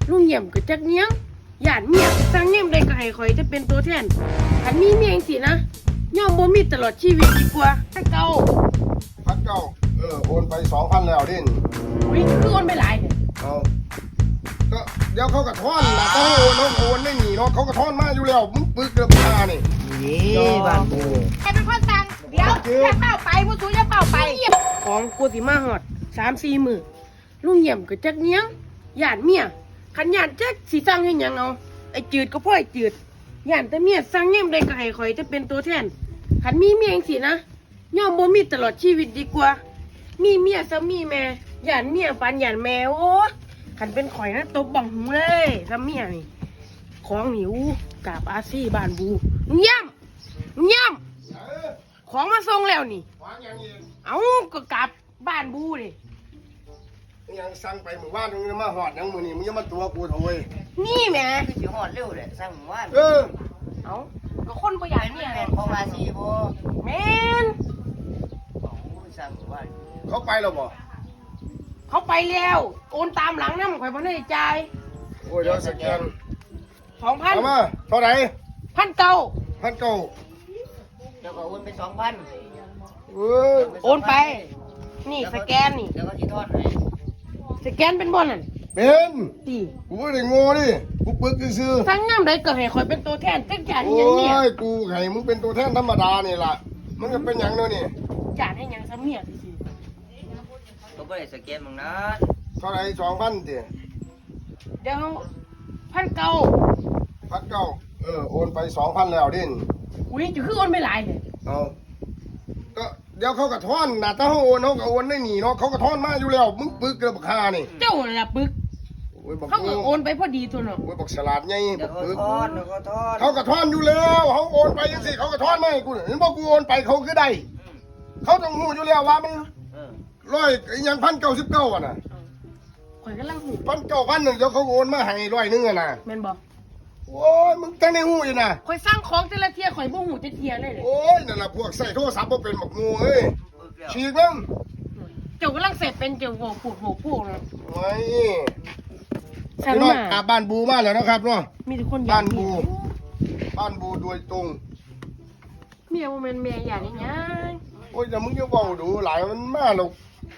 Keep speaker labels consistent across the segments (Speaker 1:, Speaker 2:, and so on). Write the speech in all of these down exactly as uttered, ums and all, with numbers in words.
Speaker 1: ลุงเยี่ยมก็จักเนี้ยงหยาดเมียสั่งเยี่ยมได้ก็ให้ข่อยจะเป็นตัวแทนคันมีเมียจังซี่นะย่อมบ่มีตลอดชีวิตดีกว่าถ้าเก่า
Speaker 2: พันเก้าเออโอนไปสองพันแล้วดิน
Speaker 1: อุ้ยคือโอนไปหลายเนี่ย
Speaker 2: เอาก็เดี๋ยวเขากระท่อนนะต้องโอนต้องโอนไม่หนีเนาะเขากระท่อนมาอยู่แล้วมึงปึกเกือบตานี่
Speaker 3: นี่บ้านกู
Speaker 4: ใครเป็นคนสั่งเดี๋ยวอย่าเป้าไปผู้สูงอย่าเป้าไป
Speaker 1: ของกูสิมาฮอด สามสี่ มื้อลุงเยี่ยมก็จักเนี้ยงหยาดเมียคันหยาดจักสิสั่งให้หยังเอาไอ้จืดก็พ่อไอ้จืดหยาดแต่เมียสั่งเยี่ยมได้ก็ให้ข่อยจะเป็นตัวแทนคันมีเมียจังซี่นะย่อมบ่มีตลอดชีวิตดีกว่ามีเมียซะมีแม่หยาดเมียปานหยาดแม่โอ้คันเป็นข่อยนะตบบังหูเลยซะเมียนี่ของหิวกราบอาซี่บ้านบูลุงเยี่ยมลุงเยี่ยมของมาส่งแล้วนี่เอาก็กลับบ้านบูดิ
Speaker 2: ยังสั่งไปหมู่บ้านมึงมาหอดยังมือนี่มึงยังมาตัวกูโถย
Speaker 1: นี่แม่
Speaker 3: คือสิหอดเร็วเลยสั่งหมู่บ้าน
Speaker 2: เออ
Speaker 1: เอาก็คนบ่อยากเนี่ย
Speaker 3: แม่นของอาชีพบ่
Speaker 1: แม่น
Speaker 3: สั่งหมู่บ้าน
Speaker 2: เขาไปแล้วบ่
Speaker 1: เขาไปแล้วโอนตามหลังนะมันข่อยบ่ได้จ่าย
Speaker 2: โอ้ยเดี๋ยวสแกน
Speaker 1: สองพัน
Speaker 2: เอามาเท่าไหร่
Speaker 1: พันเก้า
Speaker 2: พันเก้า
Speaker 3: เดี๋ยวก็โอนไปสองพัน
Speaker 2: เออ
Speaker 1: โอนไปนี่สแกนนี่
Speaker 3: แล้วก็สิทอดให้
Speaker 1: สแกนเป็นบ่นั่น
Speaker 2: เป็น
Speaker 1: ตี
Speaker 2: กูไม่ได้โง่ดิกูปึกซื้อ
Speaker 1: สั่งงามได้ก็ให้ข่อยเป็นตัวแทนจักจาน
Speaker 2: โอ้
Speaker 1: หยังเนี่ย
Speaker 2: ยกูให้มึงเป็นตัวแทนธรรมดานี่ล่ะมันก็เป็นอย่างนั้นนี่
Speaker 1: จานให้หยังซะเมียสิ
Speaker 3: ก็บ่ได้สแกนมึงนะ
Speaker 2: เท่าไหร่สองพันติ
Speaker 1: เดี๋ยวพันเก้า
Speaker 2: พันเก้าเออโอนไปสองพันแล้วดิน
Speaker 1: อุ้ยจะคือโอนไปหลายเนี่ย
Speaker 2: เอาก็เดี๋ยวเขากระท่อนนะถ้าเขาโอนเขาก็โอนได้หนีเนาะเขากระท่อนมาอยู่แล้วมึงปึกเกือบคานี่
Speaker 1: เจ้าน่ะปึกเขาก็โอนไปพอดีตัวเนาะ
Speaker 2: โอ้ยบอกฉลาดไงบ
Speaker 3: เดี๋ย
Speaker 2: อ
Speaker 3: วก็
Speaker 2: กปึก
Speaker 3: ทอดเดี๋ยวก็ทอด
Speaker 2: เขากระท่อนอยู่แล้วเขาโอนไปยังสิเขากระท่อนไม่กูเห็นบอกกูโอนไปเขาคือได้เขาต้องหูอยู่แล้วว่ามันร้อยยังพันเก้าสิบเก้าอ่ะนะ
Speaker 1: ข่อยกำลังหู
Speaker 2: พันเก้าพันหนึ่งเดี๋ยวเขาโอนมาให้ร้อยนึงอ่ะนะ
Speaker 1: แม่นบ่
Speaker 2: โอ้ยมึงตั้งในหูอยู่นะ
Speaker 1: ข่อยสร้างของแต่ละเที่ยข่อยบ่หูจะเที่ยเลยเลย
Speaker 2: โอ้ยนั่นแหละพวกใส่โทรศัพท์บ่เป็นหมกงูเอ้ยฉีกมั้ง
Speaker 1: เจ้ากำลังเสร็จเป็นเจ้าโหกผูกโหกผูกเนาะ
Speaker 2: โอ้ย
Speaker 1: สั่ง
Speaker 2: มา
Speaker 1: มา
Speaker 2: บ้านบูมาแล้วนะครับเนาะ
Speaker 1: มีทุกคน
Speaker 2: บ้านบูบ้านบูโดยตรง
Speaker 1: เมียบ่แม่นเมียอย่างนี้ยัง
Speaker 2: โอ้ยแต่มึงจะเว้าดูหลายมันมาแล้ว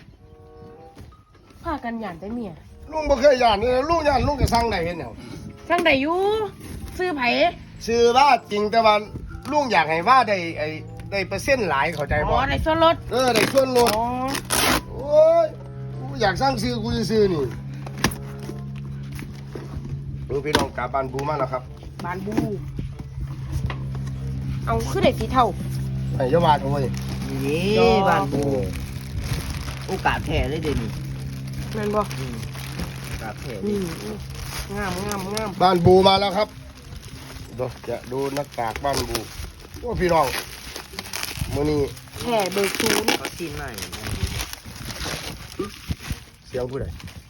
Speaker 1: พากันหยานแต่เมีย
Speaker 2: ลุงบ่เคยย่านนี่ลุงย่านลุงก็สั่งได้เห็นแนว
Speaker 1: สั่งได้อยู่ซื้อไผ
Speaker 2: ซื้อว่าจริงแต่ว่าลุงอยากให้ว่าได้ไอ้ได้เปอร์เซ็นต์หลายเข้าใจบ่
Speaker 1: อ๋อได้ส่วนลด
Speaker 2: เออได้ส่วนลด
Speaker 1: อ๋อ
Speaker 2: โอ้ยกูอยากสร้างซื้อกูจะซื้อนี่ดูพี่น้องกลับบ้านบูมาแล้วครับ
Speaker 1: บ้านบูเอาคือได้สีเทา
Speaker 2: ไอ้ยาวาดโอ้ย
Speaker 3: นี่บ้านกูโอกาสแท้เลยเดี๋ยวนี้
Speaker 1: นั่นบ่
Speaker 3: โอกาสแท้
Speaker 1: นี่งามงามงาม
Speaker 2: บ้านบูมาแล้วครับดูจะดูหน้ากากบ้านบูโอ้พี่น้องมื้อนี้
Speaker 1: แค่เบอร์ศูนย์
Speaker 3: เขาซีนใหม่
Speaker 2: เสียงผู้ใด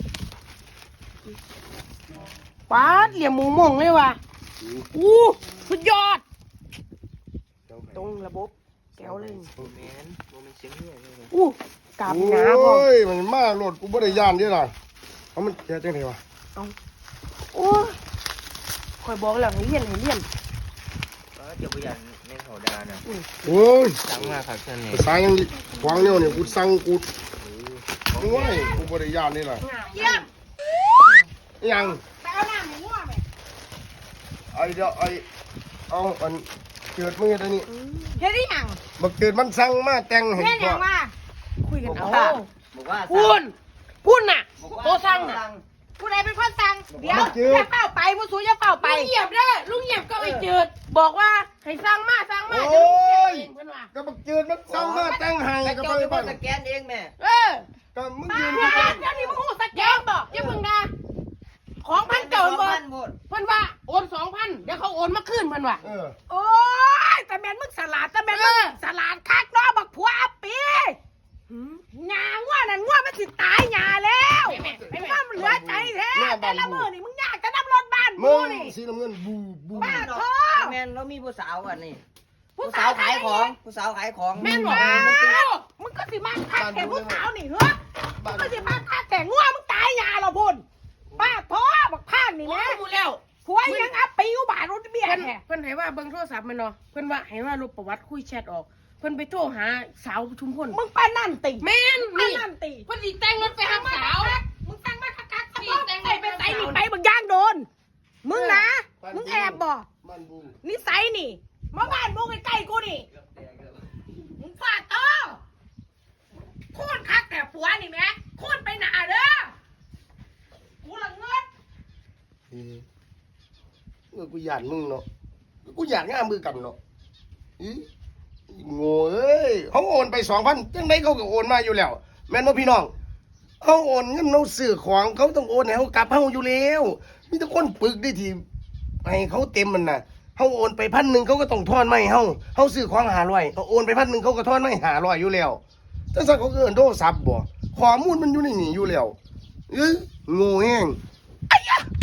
Speaker 1: ป๊าดเหลี่ยมหมูม่งเลยว่ะอู้สุดยอดตรงระบบแก้วเลย
Speaker 3: โมเมนต์โมเมนต์เสียงเนี่ย
Speaker 1: อู้กาบหนาบ่
Speaker 2: โอ้ยมันมาโหลดกูบ่ได้ย่านเด้ล่ะเอามันแกจังได๋วะ
Speaker 1: เอาโอ้ยคอยบอกแล้วให้เรียนให้เรียน
Speaker 3: ก็เดี๋ยวบ่ยันในเขาดานะ
Speaker 2: โอ้ย
Speaker 3: สั่งมาครับเชิญนี่
Speaker 2: สั่งยังวางเนี่ยนี่กูสั่งกูโอ้ยกูบ่ได้ย่านนี่ล่ะ
Speaker 4: เยี่ยม
Speaker 2: ยัง
Speaker 4: ไปเอาน้ำหมูอ่ะแม่
Speaker 2: ไอ้เดี๋ยวไอ้เอาอันเกิดมือตัวนี้
Speaker 4: เฮ็ดได้ยัง
Speaker 2: บักเกิดมันสั่งมาแต่งให้
Speaker 4: เฮ็ดยังว่า
Speaker 1: คุยกันเอา
Speaker 3: บอกว่า
Speaker 1: พูนพูนน่ะโตสั่งน่ะ
Speaker 4: ผู้ใดเป็นคนสั่งเดี๋ยวอย่าเป้าไปผู้สูงอย่าเป้าไป
Speaker 1: ลุงเหยียบเด้อลุงเหยียบก็ไปจืดบอกว่าให้สั่งมาสั่งมา
Speaker 2: โอ้ย
Speaker 1: เพิ่นว่า
Speaker 2: ก็บักเกิดมันสั่งมาแต่งให้ก็ไปบ้าน
Speaker 3: สแกนเองแม่
Speaker 1: เออ
Speaker 2: ก็มึง
Speaker 4: มา
Speaker 2: ยืน
Speaker 4: เดี๋ยวนี้มึงหูสแกนบอก
Speaker 1: อย่ามึงนะของพันเก่าบ่เพิ่นว่าโอนสองพันเดี๋ยวเขาโอนมาคืนเพิ่นว่า
Speaker 2: เออ
Speaker 4: โอ้ยแต่แม่นมึงสลัดแต่แม่นมึงสลัดคักเนาะบักผัวอัปปีหญ้างัวนั่นงัวมันสิตายหญ้าแล้วมันเหลือใจแท้แต่ละมื้อนี่มึงยากจะนับรถบ้านกูนี่
Speaker 2: สีน้ำเงินบูบู
Speaker 4: บ้าโธ่
Speaker 3: แม่นเรามีผู้สาวอันนี้ผู้สาวขายของผู้สาวขายของ
Speaker 1: แม่นบ่
Speaker 4: มึงก็สิมาคักแก่ผู้สาวนี่เหรอมึงก็สิมาคักแก่งัวมึงตายหญ้าเหรอพุ่นบ้าโธ่บักพานแท้
Speaker 1: เพิ่นให้ว่าเบิ่งโทรศัพท์มันเนาะเพิ่นว่าให้ว่าลบประวัติคุยแชทออกเพิ่นไปโทรหาสาวชุมพล
Speaker 4: มึงปานนั่นติ
Speaker 1: แม่น
Speaker 4: ปาน
Speaker 1: นี่
Speaker 4: นั่นติ
Speaker 1: เพิ่นสิแต่งรถไปหาสาว
Speaker 4: มึงสั่งมาคักๆ
Speaker 1: นี่
Speaker 4: นี่
Speaker 1: แต่
Speaker 4: แต่
Speaker 1: ง
Speaker 4: ง
Speaker 1: ไป
Speaker 4: ไป
Speaker 1: ไป
Speaker 4: ไป
Speaker 1: ใส่
Speaker 4: ใส่
Speaker 1: นี่
Speaker 4: นี่
Speaker 1: ไป
Speaker 4: ไป
Speaker 1: เบิ่
Speaker 4: เบิ่
Speaker 1: ง
Speaker 4: งย่างโดน มึงนะ
Speaker 2: บ้าน
Speaker 4: มึงแอบบ่
Speaker 2: บ้านบู
Speaker 4: นิสัยนี่มาบ้านมึงใกล้ๆกูนี่มึงฟาดโตโคตรคักแต่ผัวนี่แม่โคตรไปหนาเด้อกูละเงิน
Speaker 2: เออเออกูอยากมึงเนาะกูอยากง่ามมือกันเนาะอีโง่เอ้ยเขาโอนไปสองพันจังไดเขาก็โอนมาอยู่แล้ว แม่นบ่พี่น้องเขาโอนเงินเราซื้อของเขาต้องโอนให้เขากลับเฮาอยู่แล้วมีแต่คนปึกได้ทีให้เขาเต็มมันน่ะเขาโอนไปพันหนึ่งเขาก็ต้องทอนไม่เฮาเขาซื้อของหาร้อยเขาโอนไปพันหนึ่งเขาก็ทอนไม่หาร้อยอยู่แล้วจังซั่นเขาก็เอิ้นโทรศัพท์บ่ข้อมูลมันอยู่ในนี่อยู่แล้วเอ้ยโง่แฮง
Speaker 4: ไอ้ยะ